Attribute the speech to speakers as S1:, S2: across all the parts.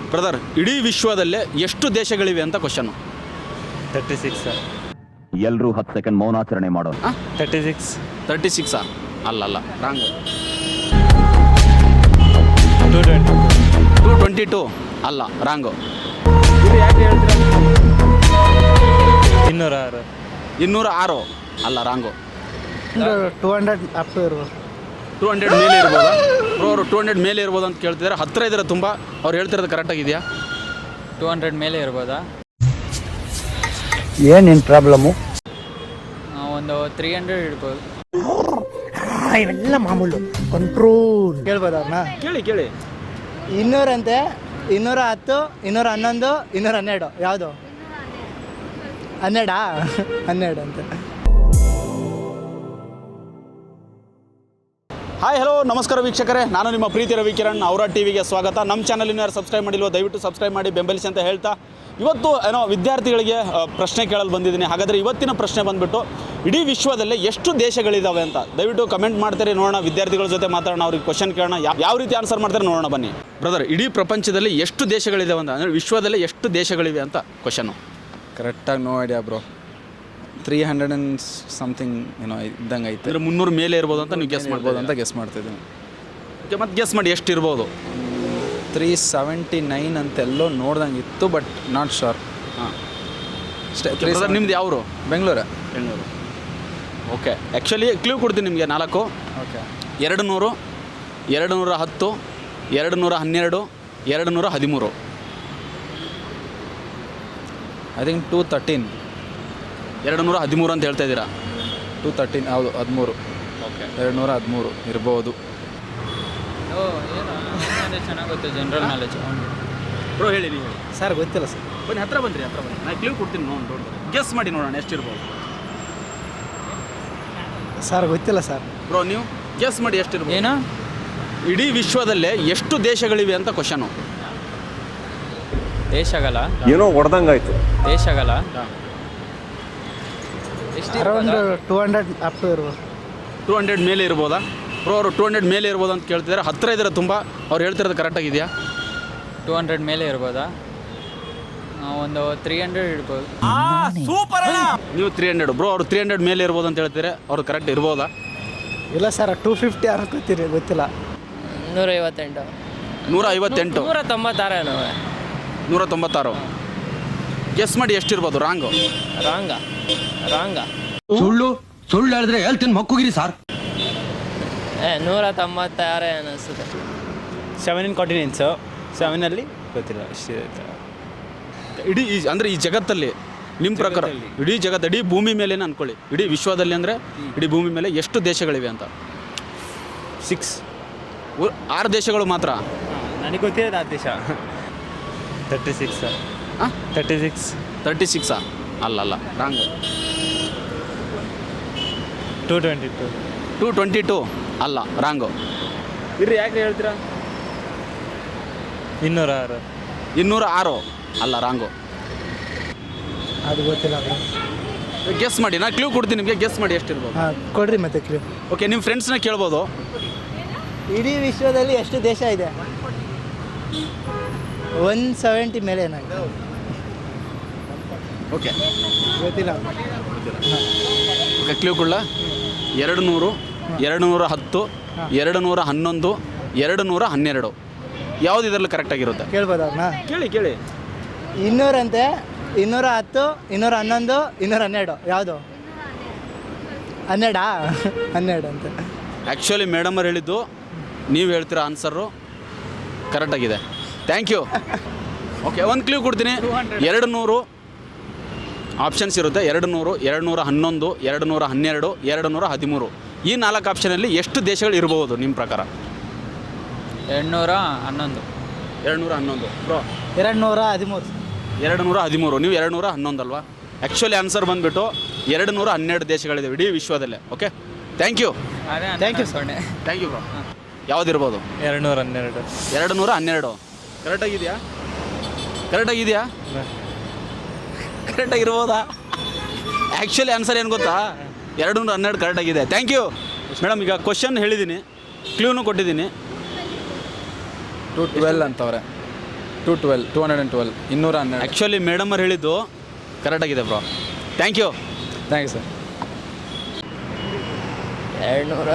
S1: Brother, ಇಡೀ ವಿಶ್ವದಲ್ಲೇ ಎಷ್ಟು ದೇಶಗಳಿವೆ ಅಂತ ಕ್ವಶನು.
S2: 36 ಸರ್.
S3: ಎಲ್ಲರೂ 10 ಸೆಕೆಂಡ್ ಮೌನಾಚರಣೆ ಮಾಡೋಣ.
S1: 36 ಅಲ್ಲ ರಾಂಗ್. 222 ಅಲ್ಲ ರಾಂಗು.
S2: ಯಾಕೆ ಹೇಳ್ತೀರಾ? 206
S1: ಅಲ್ಲ ರಾಂಗು.
S4: 200 ಅಪ್ ಟು ಇರ್ಬೋದು.
S1: 200 ಮೇಲೆ ಇರ್ಬೋದಾ ಬ್ರೋ? ಅವರು 200 ಮೇಲೆ ಇರ್ಬೋದು ಅಂತ ಕೇಳ್ತಿದ್ದಾರೆ. ಹತ್ತಿರ ಇದ್ದಾರೆ ತುಂಬ. ಅವ್ರು ಹೇಳ್ತಿರೋದು ಕರೆಕ್ಟಾಗಿದೆಯಾ?
S2: 200 ಮೇಲೆ ಇರ್ಬೋದಾ?
S4: ಏನೇನು ಪ್ರಾಬ್ಲಮ್ಮು?
S2: ಒಂದು 300 ಇರ್ಬೋದು.
S4: ಇವೆಲ್ಲ ಮಾಮೂಲು ಕಂಟ್ರೋಲ್. ಕೇಳ್ಬೋದು ಅವ್ರನ್ನ?
S1: ಕೇಳಿ
S4: 200 ಅಂತೆ, 210, 211, 212. ಯಾವುದು? 12 ಅಂತೆ.
S1: ಹಾಯ್ ಹಲೋ ನಮಸ್ಕಾರ ವೀಕ್ಷಕರೇ, ನಾನು ನಿಮ್ಮ ಪ್ರೀತಿ ರವಿಕಿರಣ್. ಅವರ ಟಿವಿಗೆ ಸ್ವಾಗತ. ನಮ್ಮ ಚಾನಲಿನ ಯಾರು ಸಬ್ಸ್ಕ್ರೈಬ್ ಮಾಡಿಲ್ವೋ ದಯವಿಟ್ಟು ಸಬ್ಸ್ಕ್ರೈಬ್ ಮಾಡಿ ಬೆಂಬಲಿಸಿ ಅಂತ ಹೇಳ್ತಾ, ಇವತ್ತು ವಿದ್ಯಾರ್ಥಿಗಳಿಗೆ ಪ್ರಶ್ನೆ ಕೇಳಲು ಬಂದಿದ್ದೀನಿ. ಹಾಗಾದರೆ ಇವತ್ತಿನ ಪ್ರಶ್ನೆ ಬಂದುಬಿಟ್ಟು, ಇಡೀ ವಿಶ್ವದಲ್ಲೇ ಎಷ್ಟು ದೇಶಗಳಿದ್ದಾವೆ ಅಂತ ದಯವಿಟ್ಟು ಕಮೆಂಟ್ ಮಾಡ್ತಾರೆ. ನೋಡೋಣ, ವಿದ್ಯಾರ್ಥಿಗಳ ಜೊತೆ ಮಾತಾಡೋಣ, ಅವ್ರಿಗೆ ಕ್ವಶನ್ ಕೇಳೋಣ, ಯಾವ ರೀತಿ ಆನ್ಸರ್ ಮಾಡ್ತಾರೆ ನೋಡೋಣ ಬನ್ನಿ. ಬ್ರದರ್, ಇಡೀ ಪ್ರಪಂಚದಲ್ಲಿ ಎಷ್ಟು ದೇಶಗಳಿದ್ದಾವೆ ಅಂತ, ಅಂದರೆ ವಿಶ್ವದಲ್ಲೇ ಎಷ್ಟು ದೇಶಗಳಿವೆ ಅಂತ ಕ್ವಶನು.
S5: ಕರೆಕ್ಟಾಗಿ no idea bro. 300 and something ಇದ್ದಂಗೆ ಐತೆ.
S1: ಅಂದರೆ 300 ಮೇಲೆ ಇರ್ಬೋದು ಅಂತ ನೀವು ಗೆಸ್ ಮಾಡ್ಬೋದು ಅಂತ
S5: ಗೆಸ್ ಮಾಡ್ತಿದ್ದೀನಿ.
S1: ಮತ್ತು ಗೆಸ್ ಮಾಡಿ ಎಷ್ಟು ಇರ್ಬೋದು?
S5: 379 ಅಂತೆಲ್ಲೋ ನೋಡ್ದಂಗೆ ಇತ್ತು, ಬಟ್ ನಾಟ್ ಶೋರ್.
S1: ಹಾಂ
S5: ಅಷ್ಟೇ.
S1: ನಿಮ್ದು ಯಾವರು?
S5: ಬೆಂಗಳೂರು.
S1: ಓಕೆ, ಆ್ಯಕ್ಚುಲಿ ಕ್ಲೂ ಕೊಡ್ತೀನಿ ನಿಮಗೆ 4.
S5: ಓಕೆ.
S1: 200, 210, 212, 213.
S5: I think 213.
S1: 213 ಅಂತ ಹೇಳ್ತಾ ಇದ್ದೀರಾ?
S5: 213 ಹೌದು, 13.
S1: ಓಕೆ,
S5: 213 ಇರ್ಬೋದು.
S2: ಚೆನ್ನಾಗಿ ಗೊತ್ತು, ಜನರಲ್ ನಾಲೆಜ್.
S1: ಬ್ರೋ ಹೇಳಿ, ನೀವು ಹೇಳಿ.
S4: ಸರ್ ಗೊತ್ತಿಲ್ಲ ಸರ್.
S1: ಬನ್ನಿ, ಹತ್ರ ಬನ್ನಿ. ನಾನು ಕ್ಲೂ ಕೊಡ್ತೀನಿ, ನೋಡಿ ಗೆಸ್ ಮಾಡಿ ನೋಡೋಣ ಎಷ್ಟಿರ್ಬೋದು.
S4: ಸರ್ ಗೊತ್ತಿಲ್ಲ ಸರ್.
S1: ಬ್ರೋ ನೀವು ಗೆಸ್ ಮಾಡಿ ಎಷ್ಟಿರ್ಬೋದು.
S2: ಏನು?
S1: ಇಡೀ ವಿಶ್ವದಲ್ಲೇ ಎಷ್ಟು ದೇಶಗಳಿವೆ ಅಂತ ಕ್ವಶನು.
S2: ದೇಶಗಳ
S3: ಏನೋ ಹೊಡೆದಂಗಾಯ್ತು.
S2: ದೇಶಗಳ
S4: ಅರೌಂಡ್ 200 ಅಪ್ ಟು ಇರ್ಬೋದು.
S1: 200 ಮೇಲೆ ಇರ್ಬೋದಾ ಬ್ರೋ? ಅವರು 200 ಮೇಲೆ ಇರ್ಬೋದು ಅಂತ ಕೇಳ್ತಿದ್ದಾರೆ. ಹತ್ತಿರ ಇದ್ದಾರೆ ತುಂಬ. ಅವ್ರು ಹೇಳ್ತಿರೋದು ಕರೆಕ್ಟಾಗಿದೆಯಾ?
S2: 200 ಮೇಲೆ ಇರ್ಬೋದಾ? ಒಂದು 300 ಇರ್ಬೋದು.
S1: ನೀವು 300 ಬ್ರೋ, ಅವರು 300 ಮೇಲೆ ಇರ್ಬೋದು ಅಂತ ಹೇಳ್ತಾರೆ. ಅವ್ರು ಕರೆಕ್ಟ್ ಇರ್ಬೋದಾ?
S4: ಇಲ್ಲ ಸರ್, 250 ಅನ್ಕೋತೀರಿ, ಗೊತ್ತಿಲ್ಲ.
S2: 158.
S1: 158.
S2: 196.
S1: 196 ಗೆಸ್ ಮಾಡಿ ಎಷ್ಟಿರ್ಬೋದು. ರಾಂಗು.
S2: ರಾಂಗ
S6: ಸುಳ್ಳು ಹೇಳಿದ್ರೆ ಹೇಳ್ತೀನಿ ಮಕ್ಕುಗಿರಿ ಸಾರ್.
S2: 196 ಅನಿಸುತ್ತೆ.
S5: 7 ಕಾಂಟಿನೆಂಟ್ಸು. 7 ಗೊತ್ತಿಲ್ಲ.
S1: ಇಡೀ ಅಂದರೆ ಈ ಜಗತ್ತಲ್ಲಿ ನಿಮ್ಮ ಪ್ರಕಾರ ಇಡೀ ಜಗತ್ತು, ಇಡೀ ಭೂಮಿ ಮೇಲೇನೆ ಅನ್ಕೊಳ್ಳಿ, ಇಡೀ ವಿಶ್ವದಲ್ಲಿ ಅಂದರೆ ಇಡೀ ಭೂಮಿ ಮೇಲೆ ಎಷ್ಟು ದೇಶಗಳಿವೆ ಅಂತ?
S5: 6.
S1: 6 ದೇಶಗಳು ಮಾತ್ರ.
S5: ನನಗೆ ಗೊತ್ತಿರೋದು ಆ ದೇಶ. 36.
S1: ಹಾಂ,
S5: 36
S1: ಅಲ್ಲ ರಾಂಗ್.
S5: 222
S1: ಅಲ್ಲ ರಾಂಗು.
S5: ಯಾಕೆ ಹೇಳ್ತೀರಾ?
S1: 206 ಅಲ್ಲ ರಾಂಗು.
S4: ಅದು ಗೊತ್ತಿಲ್ಲ.
S1: ಗೆಸ್ ಮಾಡಿ, ನಾನು ಕ್ಲೂ ಕೊಡ್ತೀನಿ ನಿಮಗೆ, ಗೆಸ್ ಮಾಡಿ ಎಷ್ಟಿರ್ಬೋದು.
S4: ಹಾಂ ಕೊಡ್ರಿ ಮತ್ತೆ ಕ್ಲೂ.
S1: ಓಕೆ, ನಿಮ್ಮ ಫ್ರೆಂಡ್ಸ್ನ ಕೇಳ್ಬೋದು.
S4: ಇಡೀ ವಿಶ್ವದಲ್ಲಿ ಎಷ್ಟು ದೇಶ ಇದೆ? 170 ಮೇಲೆ ಏನಾಗಿದೆ?
S1: ಓಕೆ,
S4: ಗೊತ್ತಿಲ್ಲ.
S1: ಓಕೆ, ಕ್ಲೂ ಕೊಡ್ಲ? 200, 210, 211, 212. ಯಾವುದು ಇದರಲ್ಲಿ ಕರೆಕ್ಟಾಗಿರುತ್ತೆ?
S4: ಕೇಳ್ಬೋದು ಅವ್ರನ್ನ?
S1: ಕೇಳಿ
S4: 200 ಅಂತೆ, 210, 211, 212. ಯಾವುದು? 12 ಅಂತೆ.
S1: ಆ್ಯಕ್ಚುಲಿ ಮೇಡಮ್ ಅವ್ರು ಹೇಳಿದ್ದು, ನೀವು ಹೇಳ್ತಿರೋ ಆನ್ಸರು ಕರೆಕ್ಟಾಗಿದೆ. Thank you. ಓಕೆ, ಒಂದು ಕ್ಲೂ ಕೊಡ್ತೀನಿ. 200 ಆಪ್ಷನ್ಸ್ ಇರುತ್ತೆ. 200, 211, 212, 213. ಈ 4 ಆಪ್ಷನಲ್ಲಿ ಎಷ್ಟು ದೇಶಗಳು ಇರ್ಬೋದು ನಿಮ್ಮ ಪ್ರಕಾರ?
S2: 211.
S1: 211 ಬ್ರೋ.
S4: 213.
S1: 213. ನೀವು 211 ಅಲ್ವಾ? ಆ್ಯಕ್ಚುಲಿ ಆನ್ಸರ್ ಬಂದುಬಿಟ್ಟು 212 ದೇಶಗಳಿದೆ ಇಡೀ ವಿಶ್ವದಲ್ಲೇ. Okay, thank you.
S4: Thank you
S1: bro. ಯಾವುದಿರ್ಬೋದು?
S5: 212.
S1: 212 ಕರೆಕ್ಟಾಗಿದೆಯಾ? ಕರೆಕ್ಟಾಗಿರ್ಬೋದಾ? ಆ್ಯಕ್ಚುಲಿ ಆನ್ಸರ್ ಏನು ಗೊತ್ತಾ? 212 ಕರೆಕ್ಟಾಗಿದೆ. Thank you madam. ಈಗ ಕ್ವಶನ್ ಹೇಳಿದ್ದೀನಿ, ಕ್ಲೂನು ಕೊಟ್ಟಿದ್ದೀನಿ.
S5: 212 ಅಂತವ್ರೆ. 212 212
S1: ಆ್ಯಕ್ಚುಲಿ ಮೇಡಮ್ ಅವ್ರು ಹೇಳಿದ್ದು ಕರೆಕ್ಟಾಗಿದೆ bro. Thank you.
S5: Thank you sir.
S2: 200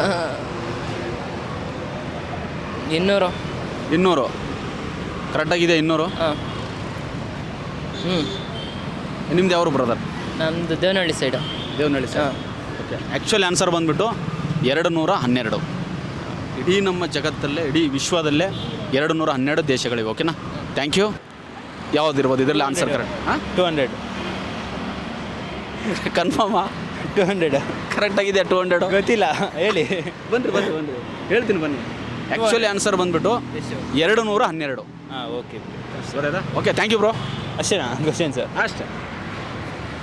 S2: 200
S1: 200 ಕರೆಕ್ಟಾಗಿದೆ. 200.
S2: ಹಾಂ. ಹ್ಞೂ
S1: ನಿಮ್ದು ಯಾವರು ಬ್ರದರ್?
S2: ನಮ್ಮದು ದೇವನಹಳ್ಳಿ ಸೈಡು.
S1: ದೇವನಹಳ್ಳಿ ಸರ್.
S2: ಹಾಂ.
S1: ಓಕೆ. ಆ್ಯಕ್ಚುಲಿ ಆನ್ಸರ್ ಬಂದುಬಿಟ್ಟು 212. ಇಡೀ ನಮ್ಮ ಜಗತ್ತಲ್ಲೇ, ಇಡೀ ವಿಶ್ವದಲ್ಲೇ 212 ದೇಶಗಳಿವೆ. ಓಕೆನಾ? Thank you. ಯಾವುದಿರ್ಬೋದು ಇದರಲ್ಲಿ ಆನ್ಸರ್ ಕರೆಕ್ಟ್? ಹಾಂ,
S4: 200
S1: ಕನ್ಫರ್ಮಾ?
S4: 200
S1: ಕರೆಕ್ಟಾಗಿದೆ. 200
S4: ಗೊತ್ತಿಲ್ಲ, ಹೇಳಿ.
S1: ಬನ್ನಿ ಹೇಳ್ತೀನಿ ಬನ್ನಿ. ಆ್ಯಕ್ಚುಲಿ ಆನ್ಸರ್ ಬಂದುಬಿಟ್ಟು 212.
S4: ಹಾಂ, okay.
S1: Okay, thank you bro.
S4: ಅಷ್ಟೇನಾ ಕ್ವಶನ್ ಸರ್?
S1: ಅಷ್ಟೇ.